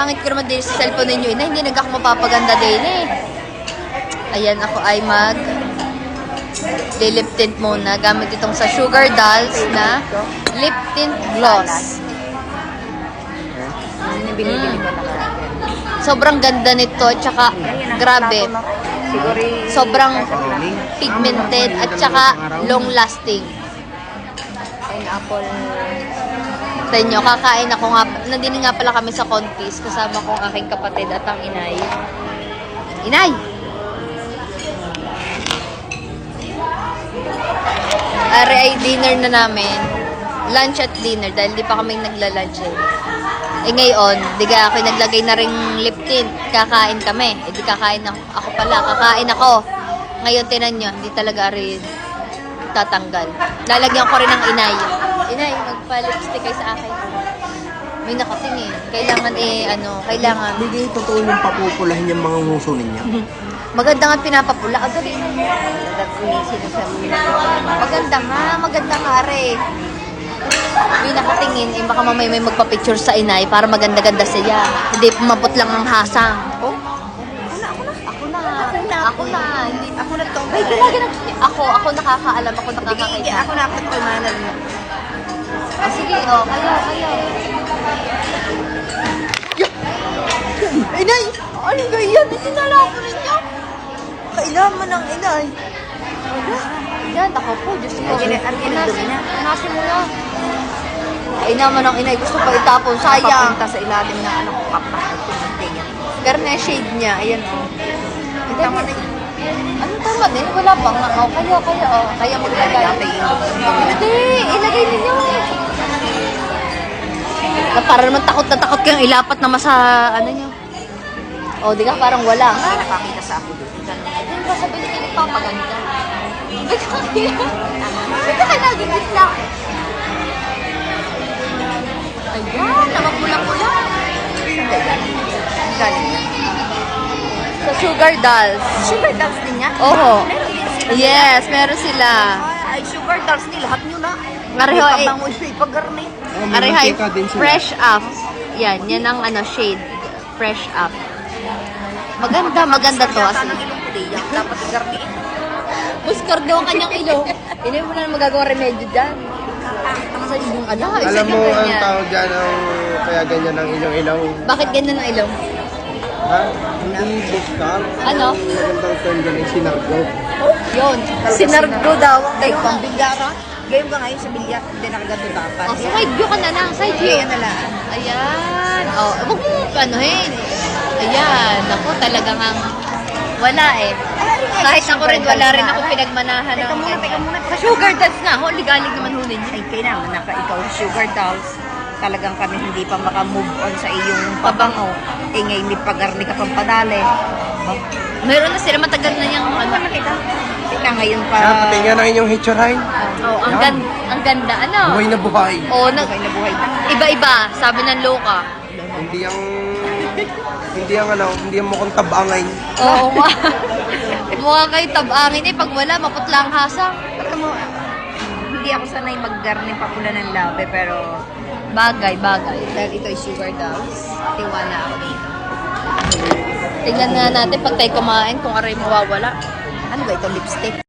pangit ko naman din sa cellphone ninyo. Hindi nag ako mapapaganda din eh. Ayan, ako ay lip tint muna. Gamit itong sa Sugar Dolls na lip tint gloss. Sobrang ganda nito. Tsaka, grabe. Sobrang pigmented at tsaka long lasting. Pineapple. Sa inyo, kakain ako nga. Nandini nga pala kami sa Conquist. Kasama ko ang aking kapatid at ang inay. Inay! Ari ay dinner na namin. Lunch at dinner dahil di pa kami nagla-lunch eh. Eh ngayon, di ka ako naglagay na ring lip tint. Kakain kami. Eh di kakain ako pala. Kakain ako. Ngayon tinan nyo, hindi talaga rin tatanggal. Lalagyan ko rin ng inay. Inay, magpa-lipstick kayo sa akin. May nakatingin. Kailangan kailangan. Hindi totoo yung papupulahin yung mga nguso ninyo. Maganda nga pinapapula. Agad maganda nga re. May nakatingin, baka mamay may magpa-picture sa inay para maganda-ganda siya. Hindi maput lang ang hasang. Oh? Ako na. Hindi, ako na to. Ay, ako nakakaalam, ako nakakakita. Ako na ako manal. Sige, kayo. Inay! Ano ba yan? Itinala ko ninyo. Kailangan ng inay. Yan, ako po. Diyos ko. Inasin mo na. Kailangan ng inay. Gusto pa itapon. Sayang. Papunta sa ilalim ng kapahal. Garnet shade niya. Ayan o. Tama na yun. Ano tama din? Wala pang kaya maglagay. Hindi, ilagay ninyo. Para naman takot na takot kayong ilapat naman sa nyo. O, di ka parang wala. Nakakita sa ako doon. Hindi ba sabihin ka nagpapaganda? Ba't ka nagigitla? Ayan, namapula-pula. Galing yan. Sa Sugar Dolls. Sugar dolls din niya? Oho. Meron din sila. Yes, meron sila. Ay, sugar dolls ni lahat nyo na. Pareho May eh. pabangoy, may pag-garnet. Arehay, fresh up. Yan ang shade. Fresh up. Maganda to. Yata ng ilong ko di yan. Dapat i-garnet. Buskar daw ang kanyang ilong. Hindi mo na magagawa remedyo dyan. Sa ilong Alam mo ang tawag dyan kaya ganyan ang ilaw-ilaw. Bakit ganyan ang ilong? Ha? Hindi buskar. Ano? Magandang term dyan ay sinargo. Yun. Sinargo daw. Kayo pang bilyara. Gayon ka ngayon sa bilyar. Hindi nakagado dapat. Oh, side view ka na lang. Side view. Yan na lang. Ayan. Oh, wag mo anuhin. Ayan. Ako talagang wala eh. Kahit ako rin, wala rin ako pinagmanahan ng Teka muna. Sa Sugar Dolls nga. Ligalig naman ho ninyo. Ay, kailangan ikaw sugar dolls. Talagang kami hindi pa maka-move on sa iyong pabango. Eh, ngayon may pag-garni ka pang padali. Meron na sila matagal na niyang Ano nakita? Teka, ngayon pa. Patingnan ang inyong hitsurain. Oh, ang ganda. Ano? Buhay na buhay. Oh, Buhay na buhay na. iba-iba. Sabi ng loka. Hindi ang mukhang tabangay. Oo, mukha kayo tabangin eh. Pag wala, maputla ang hasang. Alam mo, hindi ako sanay mag-garni pa pula ng labi, pero Bagay. dahil ito ay sugar dolls, tiwala ako dito. Tingnan nga natin pag tayo kumain kung aray mawawala. Ano ba ito? Lipstick?